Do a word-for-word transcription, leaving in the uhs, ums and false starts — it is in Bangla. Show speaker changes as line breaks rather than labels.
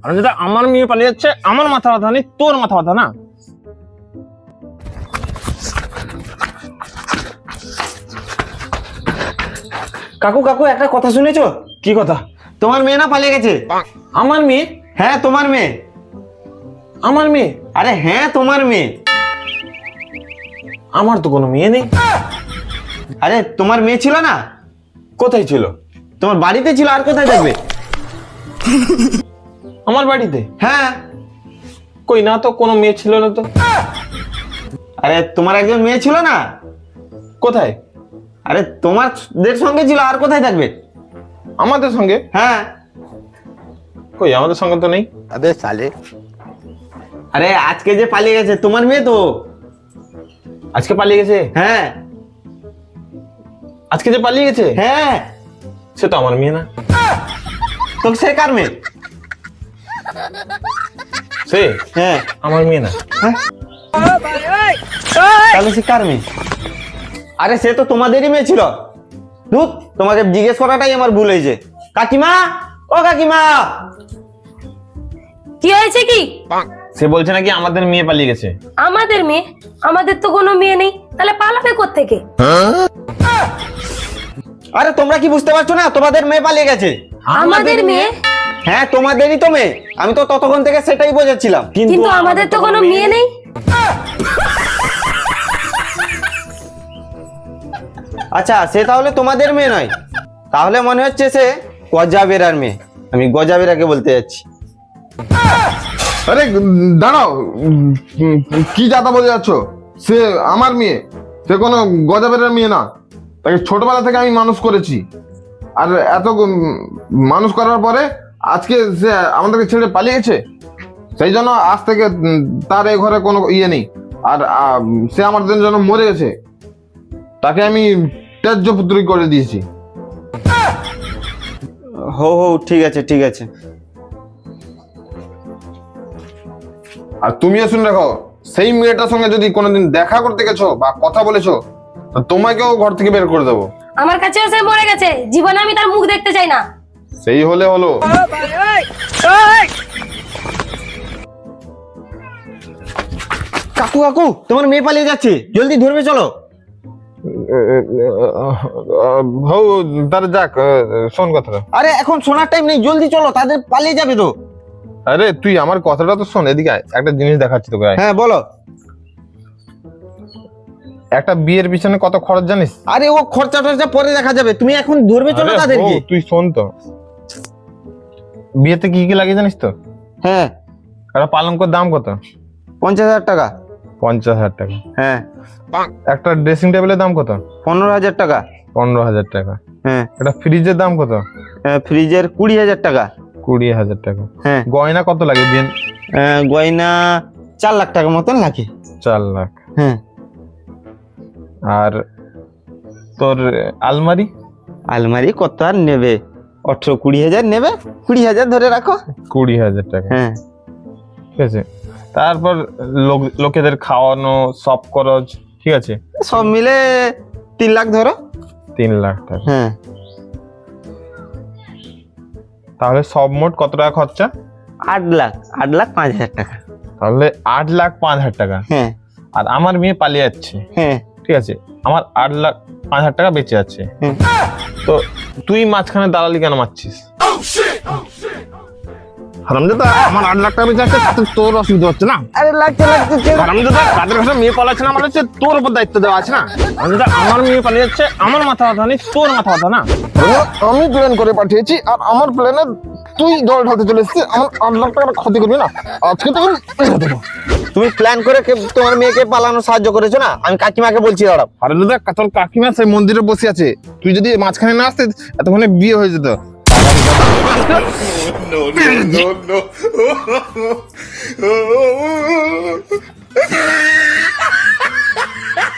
আর যেটা আমার মেয়ে পালিয়ে যাচ্ছে, আমার মাথা ব্যথা নেই, তোর মাথা ব্যথা না।
কাকু কাকু একটা কথা শুনেছো?
কি কথা?
তোমার মেয়ে না পালিয়ে গেছে।
আমার মেয়ে?
হ্যাঁ তোমার মেয়ে।
আমার মেয়ে?
আরে হ্যাঁ তোমার মেয়ে।
আমার তো কোনো মেয়ে নেই।
আরে তোমার মেয়ে ছিল না?
কোথায় ছিল?
তোমার বাড়িতে ছিল, আর কোথায় থাকবে?
আমার বাড়িতে?
হ্যাঁ।
কই না তো, কোনো মেয়ে ছিল না তো।
আরে তোমার একজন মেয়ে ছিল না?
কোথায়?
আরে তোমাদের সঙ্গে ছিল, আর কোথায় থাকবে?
আমাদের সঙ্গে?
হ্যাঁ।
কই আমাদের সঙ্গে তো নেই।
আবে সালে, আরে আজকে যে পালিয়ে গেছে তোমার মেয়ে তো।
আজকে পালিয়ে গেছে?
হ্যাঁ।
আজকে যে পালিয়ে গেছে?
হ্যাঁ।
সে তো আমার মেয়ে না।
তো সে কার মেয়ে?
সে?
হ্যাঁ
আমার মেয়ে না।
তাহলে সে কার মেয়ে? আরে সে তো তোমাদেরই মেয়ে ছিল। ধুত, তোমাকে জিজ্ঞেস করাটাই আমার ভুল হয়েছে। কাকিমা, ও কাকিমা।
কি হয়েছে কি?
সে বলছে নাকি আমাদের মেয়ে পালিয়ে গেছে।
আমাদের মেয়ে? আমাদের তো কোনো মেয়ে নেই, তাহলে পালাবে কোত্থেকে?
আরে তোমরা কি বুঝতে পারছো না? তোমাদের মেয়ে পালিয়ে গেছে।
আমাদের মেয়ে?
হ্যাঁ তোমাদেরই তো মেয়ে। আমি তো ততক্ষণ থেকে সেটাই বোঝাচ্ছিলাম।
কিন্তু আমাদের তো কোনো মেয়ে নেই।
আচ্ছা, সে তাহলে তোমাদের মেয়ে নয়। তাহলে মনে হচ্ছে সে গজাবেরার মেয়ে। আমি গজাবেরাকে বলতে যাচ্ছি।
আরে দাঁড়াও, কি যাতা বলে যাচ্ছ? সে আমার মেয়ে, সে কোনো গজাবেরের মেয়ে না। তাকে ছোটবেলা থেকে আমি মানুষ করেছি, আর এত মানুষ করার পরে আজকে সে আমাদেরকে ছেড়ে পালিয়ে গেছে। সেই জন্য আজ থেকে তার এই ঘরে কোনো ইয়ে নেই। আর সে আমাদের জন্য মরে গেছে, তাকে আমি ত্যায্য পুত্রী করে দিয়েছি।
হো হো ঠিক আছে ঠিক আছে।
আর তুমিও শুনে রাখো, সেই মেয়েটার সঙ্গে যদি কোনোদিন দেখা করতে গেছো বা কথা বলেছো, তোমাকেও ঘর থেকে বের করে দেবো।
আমার কাছেও সে মরে গেছে, জীবনে আমি তার মুখ দেখতে চাই না।
সেই হলে হলো।
কাকু কাকু, তোমার মেয়ে পালিয়ে যাচ্ছে, জলদি ধরবে চলো।
হও তাহলে যাক, শোন কথাটা।
আরে এখন শোনার টাইম নেই, জলদি চলো, তাদের পালিয়ে যাবে তো।
আরে তুই আমার কথাটা তো শোন, এদিকে আয়, একটা জিনিস দেখাচ্ছি তোকে।
হ্যাঁ বলো।
একটা বিয়ের পিছনে কত খরচ জানিস?
আরে ও খরচা টরচা পরে দেখা যাবে, তুমি এখন ধরবে চলো
আরে
তাদেরকে।
হো, তুই শোন তো, বিয়েতে কি কি লাগে জানিস তো?
হ্যাঁ।
একটা পালঙ্কর দাম কত?
পঞ্চাশ হাজার টাকা।
পঞ্চাশ হাজার টাকা।
হ্যাঁ।
একটা ড্রেসিং টেবিলের দাম কত?
পনেরো হাজার টাকা।
পনেরো হাজার টাকা।
হ্যাঁ।
একটা ফ্রিজের দাম কত?
ফ্রিজের কুড়ি হাজার টাকা।
কুড়ি হাজার টাকা।
হ্যাঁ।
গয়না কত লাগে বিয়ে?
গয়না চার লাখ টাকা মতন লাগে।
চার লাখ।
হ্যাঁ।
আর তোর আলমারি?
আলমারি কত আর নেবে, আঠারো কুড়ি হাজার নেবে, কুড়ি হাজার ধরে রাখো।
কুড়ি হাজার টাকা।
হ্যাঁ।
ঠিক আছে। তারপর লোক লোকেদের খাওয়ানো, সব খরচ, ঠিক আছে,
সব মিলে তিন লাখ ধরো।
তিন লাখ টাকা।
হ্যাঁ।
তাহলে সব মোট কত টাকা খরচা?
আট লাখ আট লাখ পাঁচ হাজার টাকা।
তাহলে আট লাখ পাঁচ হাজার টাকা।
হ্যাঁ।
আর আমার মেয়ে পালিয়ে যাচ্ছে,
হ্যাঁ।
ঠিক আছে, আমার আট লাখ পাঁচ হাজার টাকা বেঁচে যাচ্ছে। তো তুই মাঝখানে দালালি কেন মারছিস?
হারামজাদা, আমার আট লাখ টাকা বেঁচে আছে, তাতে তোর অসুবিধা হচ্ছে না?
আরে লাগছে লাগছে।
হারামজাদা, তাদের কাছে মেয়ে পালাচ্ছে না, মানে হচ্ছে তোর উপর দায়িত্ব দেওয়া আছে না? হারামজাদা, আমার মেয়ে পালিয়ে যাচ্ছে, আমার মাথা ব্যথা নেই, তোর মাথা ব্যথা না?
আমি প্ল্যান করে পাঠিয়েছি, আর আমার প্ল্যানে তুই জল ঢালতে চলে এসেছিস। আমার আট লাখ টাকা ক্ষতি করবি না, আজকে তো মেরে দেবো।
তুমি প্ল্যান করে কে- তোমার মেয়েকে পালানো সাহায্য করেছো না? আমি কাকিমাকে বলছি দাঁড়াও।
হারামজাদা, তোর কাকিমা সেই মন্দিরে বসে আছে, তুই যদি মাঝখানে না আসতে এতক্ষণে বিয়ে হয়ে যেত।
no, no, no.